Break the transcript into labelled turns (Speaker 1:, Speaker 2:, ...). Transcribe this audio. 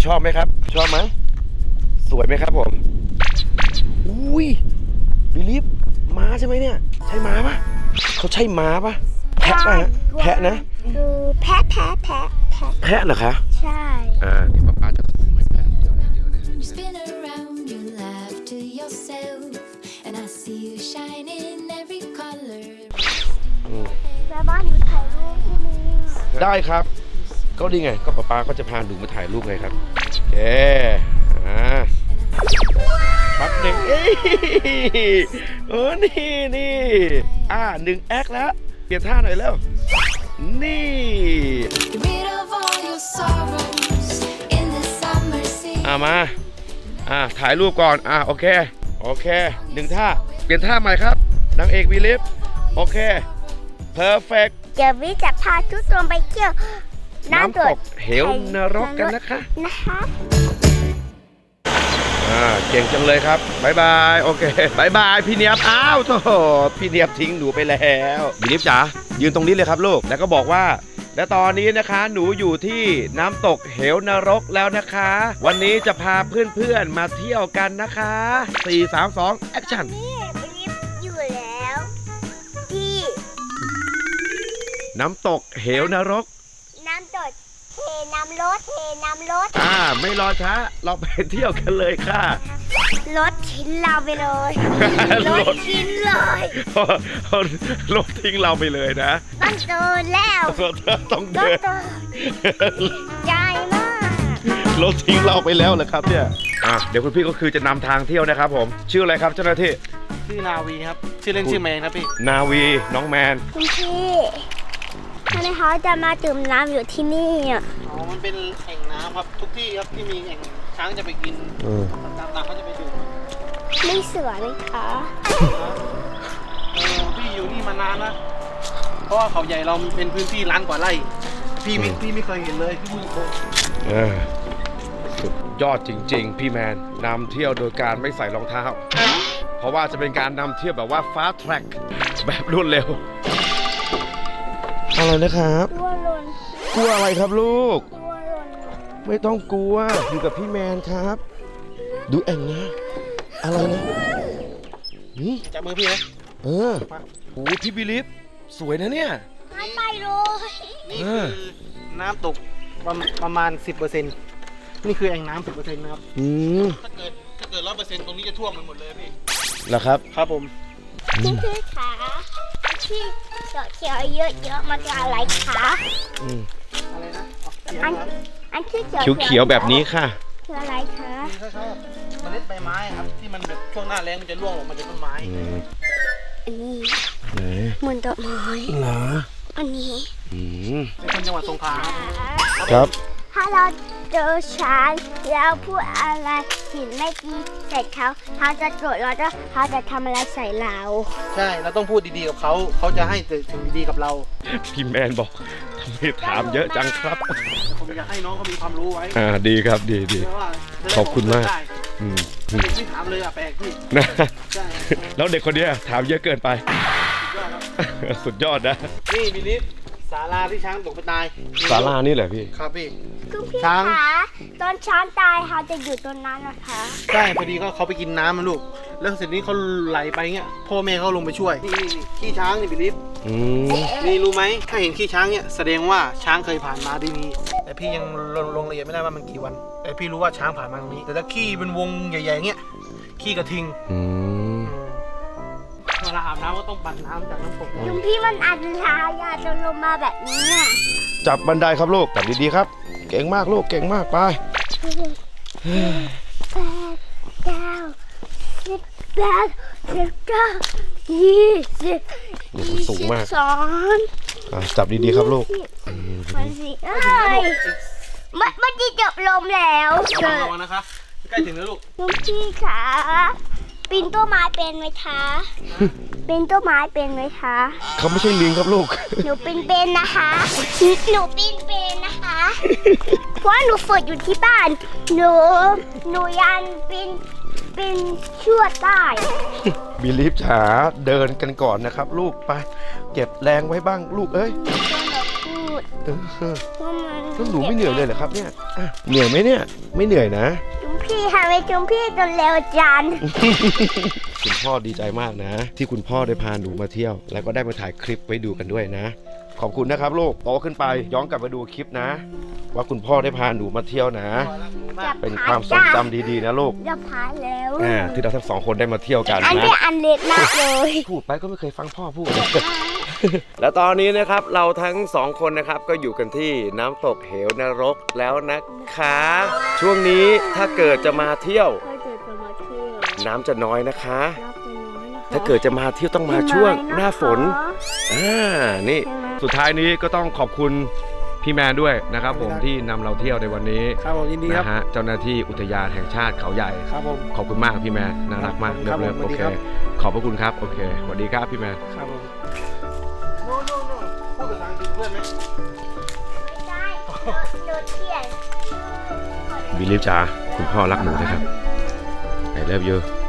Speaker 1: ชอบไหมครับชอบไหมสวยไหมครับผมอุ้ยบิลีฟม้าใช่ไหมเนี่ยใช่ม้าปะเขาใช่ม้าปะแพะปะฮะแพะนะ
Speaker 2: แพะ
Speaker 1: แพะเหรอคะ
Speaker 2: ใช่
Speaker 1: เดี๋ยวป๊าจะคุมให้แพะเดี๋ยวนะ
Speaker 3: Spin around, you laugh to yourself, and I see you shine in every color.
Speaker 2: แม่บ้านหนูถ่ายรูปที่นี่
Speaker 1: ได้ครับก็ดีไงก็ป๊าก็จะพาหนูมาถ่ายรูปไงครับเปั๊บหนึ่งนี่1 แอคแล้วเปลี่ยนท่าหน่อยแล้วนี่
Speaker 3: Get rid of all your sorrows in the summer sea.
Speaker 1: มาถ่ายรูปก่อนโอเค1 ท่าเปลี่ยนท่าใหม่ครับนางเอกวีลิฟโอเคเพอร์เฟกต์
Speaker 2: เดี๋ยววิจะพาทุกคนไปเที่ยว
Speaker 1: น้ำตกเหวนรกกันนะคะเก่งจังเลยครับบายบายโอเคบายบายพี่เนียบโธ่พี่เนียบทิ้งหนูไปแล้ววีลิฟจ๋ายืนตรงนี้เลยครับลูกแล้วก็บอกว่าและตอนนี้นะคะหนูอยู่ที่น้ำตกเหวนรกแล้วนะคะวันนี้จะพาเพื่อนๆมาเที่ยวกันนะคะ4 3 2แอคชั่น
Speaker 2: นี่วิลิฟอยู่แล้วที่
Speaker 1: น้ำตกเหวนรก
Speaker 2: น้ำตกเทน้ำรถ
Speaker 1: ไม่รอช้าเราไปเที่ยวกันเลยค่ะ
Speaker 2: รถทิ้งเราไปเลยรถทิ้งเลย
Speaker 1: รถทิ้งเราไปเลยนะ
Speaker 2: ต้องเดินแล้ว
Speaker 1: ต้องเดิน
Speaker 2: ใหญ่มาก
Speaker 1: รถทิ้งเราไปแล้วเหรอครับเนี่ยเดี๋ยวคุณพี่ก็คือจะนำทางเที่ยวนะครับผมชื่ออะไรครับเจ้าหน้าที่
Speaker 4: ชื่อนาวีครับชื่อเล่นชื่อแมนครับพี่
Speaker 1: นาวีน้องแมน
Speaker 2: คุณพี่ทำไมเขาจะมาดื่มน้ำอยู่ที่นี่
Speaker 4: มันเป็นแอ่งน้ำครับทุกที่ครับที่มีแอ่งช้างจะไปกินตามเขาจะไปดื่ม
Speaker 2: ไม่เสือเลยคะ
Speaker 4: พี่อยู่นี่มานานนะเพราะว่าเขาใหญ่เราเป็นพื้นที่ล้านกว่าไร่พี่ไม่เคยเห็นเลยพี่พูดตรง
Speaker 1: สุดยอดจริงๆพี่แมนนำเที่ยวโดยการไม่ใส่รองเท้าเพราะว่าจะเป็นการนำเที่ยวแบบว่าฟาสต์แทร็กแบบรวดเร็วอะไรนะครับกลัวอะไรครับลูกไม่ต้องกลัวอยู่กับพี่แมนครับดูแอ่งนะอะไรนะนี่
Speaker 4: จับมือพี่นะ
Speaker 1: โอ้พี่บิลิฟสวยนะเนี่ย
Speaker 2: น้ำไปเลย
Speaker 4: นี่คือน้ำตกประมาณ 10%นี่คือแอ่งน้ำ 10% นะครับถ้าเกิด 100%ตรงนี้จะท่วมมันหมดเลยพี่
Speaker 1: เหรอครับ
Speaker 4: ครับผม
Speaker 2: พี่ขาที่เขียวเยอะๆมันจะอะไรคะ
Speaker 4: อะไรนะ
Speaker 2: อันที่
Speaker 1: เขียวแบบนี้ค่ะ
Speaker 2: คืออะไรคะ
Speaker 4: คล้ายๆเมล็ดใบไม้ครับที่มันแบบช่วงหน้าแล้งมันจะร่วงลงมาจากต้นไม้
Speaker 2: อันนี้เหมือนดอกไม้
Speaker 1: เหรอ
Speaker 2: อันนี้
Speaker 4: เป็นคนจังหวัดสงขลา
Speaker 1: ครับ
Speaker 2: ถ้าเราเจอช้างแล้วพูดอะไรผิดไม่ดีใส่เขาจะโกรธเขาจะทำอะไรใส่เรา
Speaker 4: ใช่เราต้องพูดดีๆกับเขาจะให้ถึงดีๆกับเรา
Speaker 1: พี่แมนบอกทำไมถามเยอะจังครับ
Speaker 4: ผมอยากให้น้องเขามีความรู้ไว้
Speaker 1: ดีครับดีขอบคุณมาก
Speaker 4: ไม่ถามเลยแปลกพี่
Speaker 1: แล้วเด็กคนนี้ถามเยอะเกินไปสุดยอดนะ
Speaker 4: นี่บิลิฟศาลาที่ช้างตกไปตาย
Speaker 1: ศาลานี่แหละพี่
Speaker 4: ครับพี่
Speaker 2: ช้างตอนช้างตายเขาจะอยู่ตรงนั้นนะคะ
Speaker 4: ใช่พอดีเขาไปกินน้ำมันลูกแล้วเสร็จนี้เขาไหลไปเงี้ยพ่อแม่เขาลงไปช่วยนี่ขี้ช้างนี่บิลิฟนี่รู้ไหมถ้าเห็นขี้ช้างเนี่ยแสดงว่าช้างเคยผ่านมาที่นี่แต่พี่ยังลงละเอียดไม่ได้ว่ามันกี่วันแต่พี่รู้ว่าช้างผ่านมาตรงนี้แต่ถ้าขี้เป็นวงใหญ่ๆเงี้ยขี้กระทิงเวลาอาบน้ำก็ต้องปั่นน้ำจากน้ำตก
Speaker 2: ลุงพี่มันอันตรายจะลงมาแบบนี้
Speaker 1: จับบันไดครับลูกจับดีๆครับเก่งมากลูกเก่งมากไป
Speaker 2: 8 9 10 11 20
Speaker 1: สูงมาก
Speaker 2: 22
Speaker 1: จับดีๆครับลูก
Speaker 2: มันจะจบลมแล้ว
Speaker 4: ระวังนะคะใกล้ถึงแล้วลูก
Speaker 2: ลุงพี่ขาปีนต้นไม้เป็นไหมคะปีนต้นไม้เป็นไหมคะ
Speaker 1: เขาไม่ใช่ลิงครับลูก
Speaker 2: หนูปีนเป็นนะคะหนูปีนเป็นนะคะเพราะหนูฝึกอยู่ที่บ้านหนูยันปีนชั่วได้
Speaker 1: บิลิฟจ๋าเดินกันก่อนนะครับลูกไปเก็บแรงไว้บ้างลูกเอ้ย
Speaker 2: ว่ามัน
Speaker 1: แล้วหนูไม่เหนื่อยเลยเหรอครับเนี่ยอ่ะเหนื่อยไหมเนี่ยไม่เหนื่อยนะ
Speaker 2: จุมพี่ทำไมจุมพี่จนเร็วจัน
Speaker 1: คุณพ่อดีใจมากนะ ที่คุณพ่อได้พาหนูมาเที่ยว แล้วก็ได้มาถ่ายคลิปไว้ดูกันด้วยนะ ขอบคุณนะครับลูกโตขึ้นไปย้อนกลับมาดูคลิปนะ ว่าคุณพ่อได้พาหนูมาเที่ยวนะ เป็นความทรงจำดีๆนะลูก
Speaker 2: จะพายแล้ว
Speaker 1: ที่เราทั้งสองคนได้มาเที่ยวกัน
Speaker 2: อัน
Speaker 1: นะ
Speaker 2: นี้อันเล็กมากเลย
Speaker 1: พูดไปก็ไม่เคยฟังพ่อพูด แล้วตอนนี้นะครับเราทั้งสองคนนะครับก็อยู่กันที่น้ำตกเหวนรกแล้วนะคะ ช่วงนี้ถ้าเกิดจะมาเที่ยว
Speaker 2: ถ้าเกิดจะมาเที่ยว
Speaker 1: น้ำจะน้อยนะคะ
Speaker 2: น่าจะน้อยนะคะ
Speaker 1: ถ้าเกิดจะมาเที่ยวต้องมาช่วงหน้าฝนนี่
Speaker 2: ใช่ไหม
Speaker 1: สุดท้ายนี้ก็ต้องขอบคุณพี่แมนด้วยนะครับผมที่นำเราเที่ยวในวันนี้
Speaker 4: ครับผมยินดีครับ
Speaker 1: นะฮะเจ้าหน้าที่อุทยานแห่งชาติเขาใหญ่
Speaker 4: ครับผม
Speaker 1: ขอบคุณมากพี่แมนน่ารักมาก
Speaker 4: ครับ
Speaker 1: เลิฟ
Speaker 4: ผม
Speaker 1: โอเค
Speaker 4: สวัสดีครับ
Speaker 1: ขอบพระคุณครับโอเคสวัสดีครับพี่แมน
Speaker 4: ครับผมโน่พูดภาษาอังกฤษเพื่อนไหม
Speaker 2: ไม่ได้หนูเขียน
Speaker 1: บิลลิฟจ๋าคุณพ่อรักหนูนะครับI love you